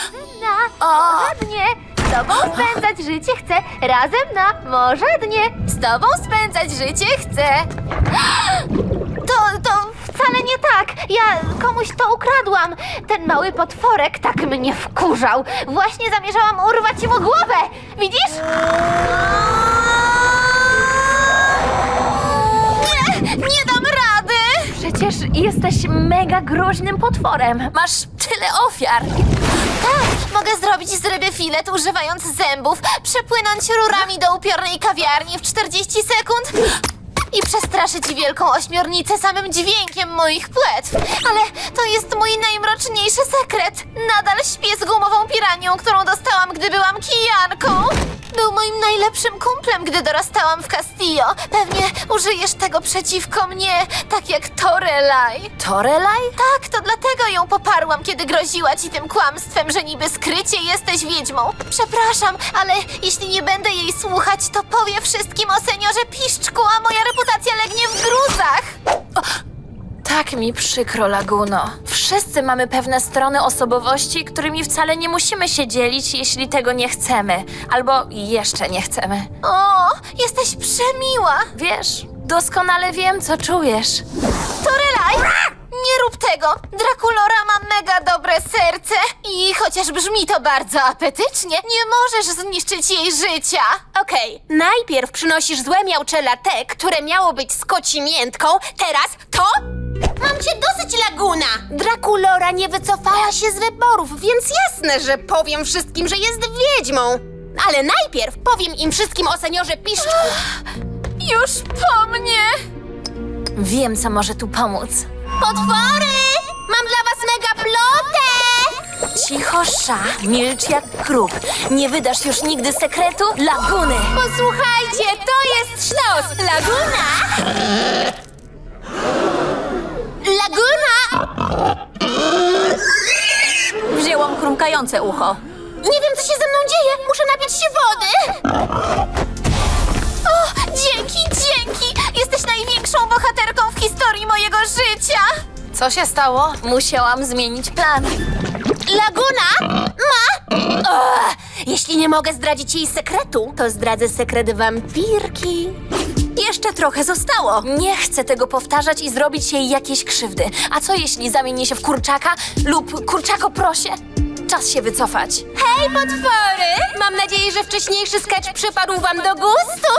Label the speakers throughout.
Speaker 1: Może dnie. Z tobą spędzać życie chcę. Razem na może dnie. Z tobą spędzać życie chcę. To wcale nie tak. Ja komuś to ukradłam. Ten mały potworek tak mnie wkurzał. Właśnie zamierzałam urwać mu głowę. Widzisz? Nie dam rady!
Speaker 2: Przecież jesteś mega groźnym potworem. Masz tyle ofiar.
Speaker 1: Tak, mogę zrobić z ryby filet używając zębów, przepłynąć rurami do upiornej kawiarni w 40 sekund i przestraszyć wielką ośmiornicę samym dźwiękiem moich płetw. Ale to jest mój najmroczniejszy sekret. Nadal śpię z gumową piranią, którą dostałam, gdy byłam kijanką. Był moim najlepszym kumplem, gdy dorastałam w Castillo. Pewnie użyjesz tego przeciwko mnie, tak jak Torelaj.
Speaker 2: Torelaj?
Speaker 1: Tak, to dlatego ją poparłam, kiedy groziła ci tym kłamstwem, że niby skrycie jesteś wiedźmą. Przepraszam, ale jeśli nie będę jej słuchać, to powie wszystkim o seniorze Piszczku, a moja reputacja legnie w gruzach.
Speaker 2: Tak mi przykro, Laguno. Wszyscy mamy pewne strony osobowości, którymi wcale nie musimy się dzielić, jeśli tego nie chcemy. Albo jeszcze nie chcemy.
Speaker 1: O, jesteś przemiła.
Speaker 2: Wiesz, doskonale wiem, co czujesz.
Speaker 1: Torelaj, nie rób tego. Draculora ma mega dobre serce i chociaż brzmi to bardzo apetycznie, nie możesz zniszczyć jej życia.
Speaker 3: Okej, najpierw przynosisz złe miauczela te, które miało być z kocimiętką, teraz to? Mam cię dosyć, Laguna! Draculora nie wycofała się z wyborów, więc jasne, że powiem wszystkim, że jest wiedźmą. Ale najpierw powiem im wszystkim o seniorze Piszczku.
Speaker 1: Już po mnie.
Speaker 2: Wiem, co może tu pomóc.
Speaker 3: Potwory! Mam dla was mega plotę!
Speaker 2: Cicho, Sza, milcz jak krób. Nie wydasz już nigdy sekretu Laguny.
Speaker 3: Posłuchajcie, to jest sztos! Laguna! Laguna!
Speaker 2: Wzięłam chrumkające ucho.
Speaker 3: Nie wiem, co się ze mną dzieje! Muszę napić się wody!
Speaker 1: O, dzięki! Jesteś największą bohaterką w historii mojego życia.
Speaker 2: Co się stało? Musiałam zmienić plan.
Speaker 3: Laguna ma... jeśli nie mogę zdradzić jej sekretu, to zdradzę sekret wampirki.
Speaker 2: Jeszcze trochę zostało. Nie chcę tego powtarzać i zrobić jej jakiejś krzywdy. A co jeśli zamienię się w kurczaka lub kurczako-prosie? Czas się wycofać.
Speaker 3: Hej, potwory! Mam nadzieję, że wcześniejszy sketch przypadł wam do gustu.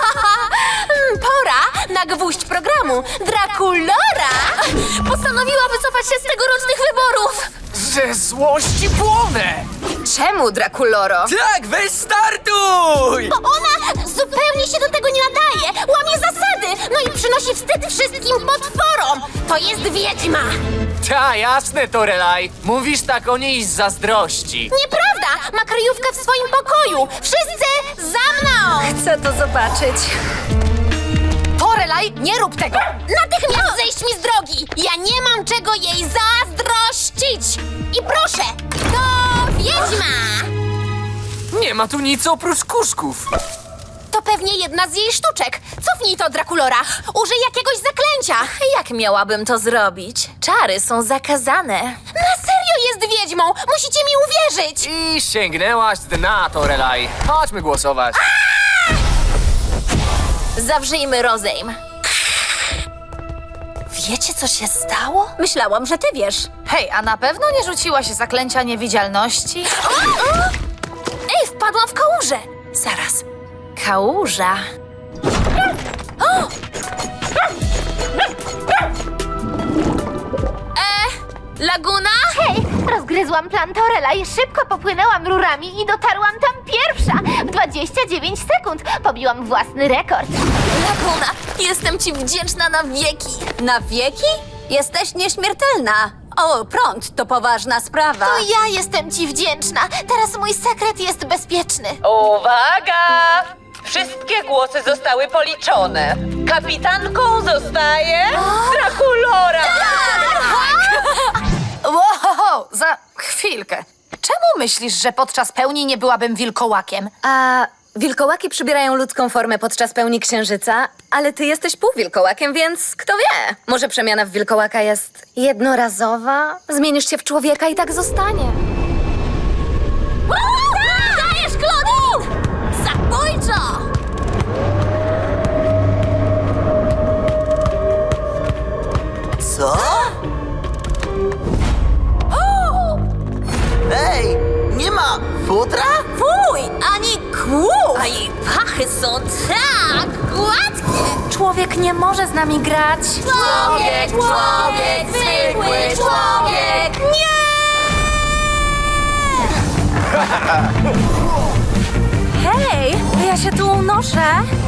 Speaker 3: Pora na gwóźdź programu. Draculora
Speaker 2: Postanowiła wycofać się z tegorocznych wyborów.
Speaker 4: Ze złości płonę!
Speaker 2: Czemu, Draculoro?
Speaker 4: Tak, weź startuj!
Speaker 3: Ona zupełnie się do tego nie nadaje. Łamie zasady. No i przynosi wstyd wszystkim potworom. To jest wiedźma.
Speaker 4: Ta, jasne, Torelaj. Mówisz tak o niej z zazdrości.
Speaker 3: Nieprawda! Ma kryjówkę w swoim pokoju. Wszyscy za mną!
Speaker 2: Chcę to zobaczyć.
Speaker 3: Torelaj, nie rób tego! Natychmiast zejść mi z drogi! Ja nie mam czego jej zazdrościć! I proszę, to wiedźma!
Speaker 4: Nie ma tu nic oprócz kuszków.
Speaker 3: To pewnie jedna z jej sztuczek. Cofnij to, Draculora. Użyj jakiegoś zaklęcia.
Speaker 2: Jak miałabym to zrobić? Czary są zakazane.
Speaker 3: Na serio jest wiedźmą! Musicie mi uwierzyć!
Speaker 4: I sięgnęłaś dna, Torelaj. Chodźmy głosować.
Speaker 2: Zawrzyjmy rozejm. Wiecie, co się stało?
Speaker 3: Myślałam, że ty wiesz.
Speaker 2: Hej, a na pewno nie rzuciłaś zaklęcia niewidzialności? Ej, wpadłam w kałużę! Zaraz. Kałuża. Laguna?
Speaker 1: Hej, rozgryzłam plan Torelaj, szybko popłynęłam rurami i dotarłam tam pierwsza. W 29 sekund pobiłam własny rekord.
Speaker 2: Laguna, jestem ci wdzięczna na wieki.
Speaker 5: Na wieki? Jesteś nieśmiertelna. O, prąd to poważna sprawa.
Speaker 1: To ja jestem ci wdzięczna. Teraz mój sekret jest bezpieczny.
Speaker 6: Uwaga! Wszystkie głosy zostały policzone. Kapitanką zostaje Draculora!
Speaker 7: Wow, za chwilkę. Czemu myślisz, że podczas pełni nie byłabym wilkołakiem?
Speaker 5: A wilkołaki przybierają ludzką formę podczas pełni księżyca, ale ty jesteś półwilkołakiem, więc kto wie? Może przemiana w wilkołaka jest jednorazowa? Zmienisz się w człowieka i tak zostanie.
Speaker 8: futra?
Speaker 3: Fuj, ani kłów! A jej pachy są tak gładkie!
Speaker 2: Człowiek nie może z nami grać.
Speaker 3: Człowiek, zwykły człowiek! Nie!
Speaker 2: Hej, ja się tu unoszę.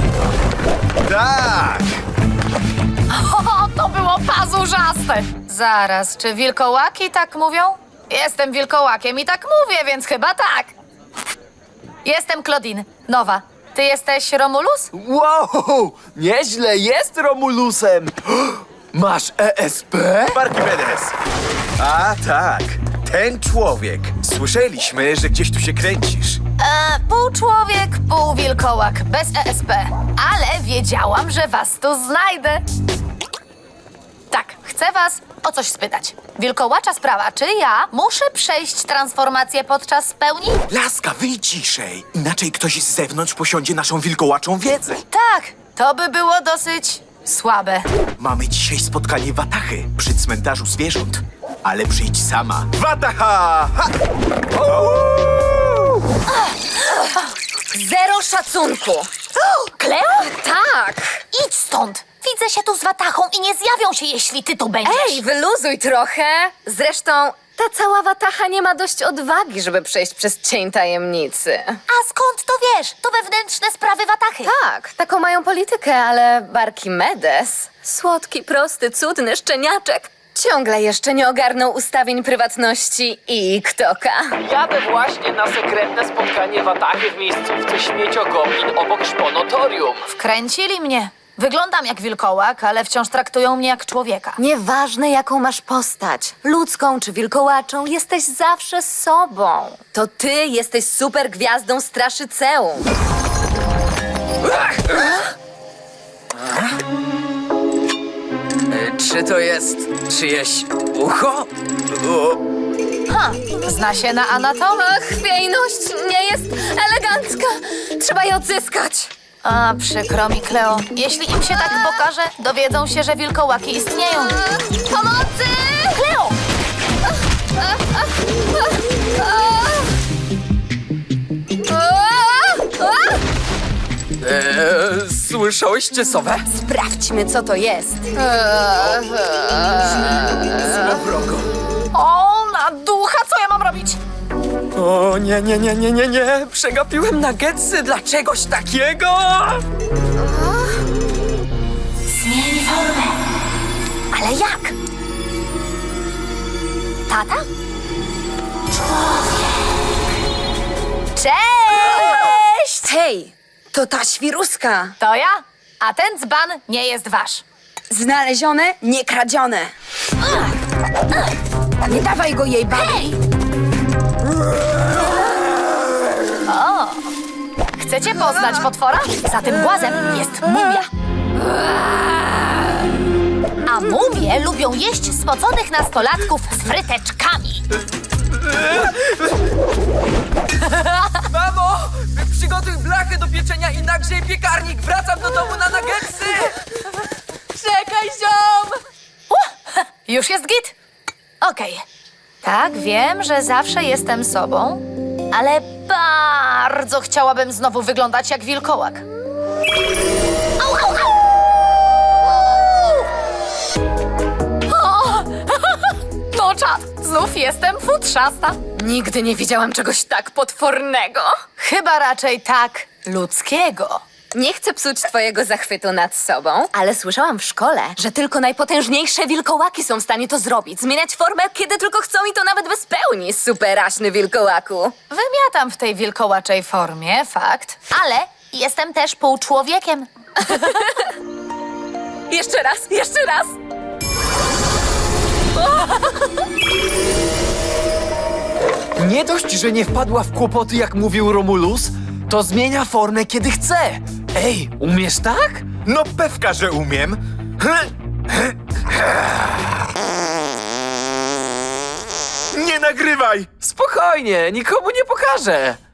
Speaker 8: Tak!
Speaker 7: O, to było pazurzaste! Zaraz, czy wilkołaki tak mówią? Jestem wilkołakiem i tak mówię, więc chyba tak. Jestem Claudine, nowa. Ty jesteś Romulus?
Speaker 4: Wow! Nieźle jest Romulusem! Masz ESP?
Speaker 8: Archimedes! A tak, ten człowiek. Słyszeliśmy, że gdzieś tu się kręcisz.
Speaker 7: Pół człowiek, pół wilkołak, bez ESP. Ale wiedziałam, że was tu znajdę. Tak, chcę was o coś spytać. Wilkołacza sprawa, czy ja muszę przejść transformację podczas pełni?
Speaker 8: Laska, wyjdź ciszej, inaczej ktoś z zewnątrz posiądzie naszą wilkołaczą wiedzę.
Speaker 7: Tak, to by było dosyć słabe.
Speaker 8: Mamy dzisiaj spotkanie Watachy przy cmentarzu zwierząt. Ale przyjdź sama. Wataha! Ha!
Speaker 5: Zero szacunku.
Speaker 7: Kleo?
Speaker 5: Tak.
Speaker 7: Idź stąd! Widzę się tu z Watachą i nie zjawią się, jeśli ty tu będziesz.
Speaker 5: Ej, wyluzuj trochę. Zresztą ta cała watacha nie ma dość odwagi, żeby przejść przez cień tajemnicy.
Speaker 7: A skąd to wiesz? To wewnętrzne sprawy Watachy.
Speaker 5: Tak, taką mają politykę, ale Archimedes, słodki, prosty, cudny szczeniaczek, ciągle jeszcze nie ogarnął ustawień prywatności i ktoka.
Speaker 4: Jadę właśnie na sekretne spotkanie Watachy w miejscówce Śmieciogoblin obok Szponotorium.
Speaker 7: Wkręcili mnie. Wyglądam jak wilkołak, ale wciąż traktują mnie jak człowieka.
Speaker 5: Nieważne, jaką masz postać, ludzką czy wilkołaczą, jesteś zawsze sobą. To ty jesteś super gwiazdą Straszyceum.
Speaker 4: Czy to jest czyjeś ucho?
Speaker 7: Zna się na anatomii.
Speaker 5: Ach, chwiejność nie jest elegancka. Trzeba je odzyskać.
Speaker 7: A, przykro mi, Kleo. Jeśli im się tak pokaże, dowiedzą się, że wilkołaki istnieją.
Speaker 5: Pomocy!
Speaker 7: Kleo!
Speaker 4: Słyszałyście sowę?
Speaker 5: Sprawdźmy, co to jest.
Speaker 7: O, na ducha, co ja mam robić?
Speaker 4: O nie. Przegapiłem nuggetsy dla czegoś takiego!
Speaker 7: Zmień formę. Ale jak? Tata? Cześć!
Speaker 5: Hej, to ta świruska.
Speaker 7: To ja, a ten dzban nie jest wasz.
Speaker 5: Znalezione, nie kradzione. Nie dawaj go jej, babi.
Speaker 7: Chcecie poznać potwora? Za tym głazem jest mumia. A mumie lubią jeść spoconych nastolatków z fryteczkami.
Speaker 4: Mamo! Przygotuj blachę do pieczenia i nagrzej piekarnik! Wracam do domu na nuggetsy!
Speaker 7: Czekaj, ziom! Już jest git? Okej. Tak, wiem, że zawsze jestem sobą, ale bardzo chciałabym znowu wyglądać jak wilkołak. Au, au, au! O! No czad, znów jestem futrzasta.
Speaker 5: Nigdy nie widziałam czegoś tak potwornego.
Speaker 7: Chyba raczej tak ludzkiego.
Speaker 5: Nie chcę psuć twojego zachwytu nad sobą, ale słyszałam w szkole, że tylko najpotężniejsze wilkołaki są w stanie to zrobić. Zmieniać formę, kiedy tylko chcą i to nawet bez pełni, superaśny wilkołaku.
Speaker 7: Wymiatam w tej wilkołaczej formie, fakt, ale jestem też półczłowiekiem.
Speaker 5: Jeszcze raz, jeszcze raz.
Speaker 4: Nie dość, że nie wpadła w kłopoty, jak mówił Romulus, to zmienia formę, kiedy chce. Ej, umiesz tak?
Speaker 8: No pewka, że umiem. Nie nagrywaj!
Speaker 4: Spokojnie, nikomu nie pokażę.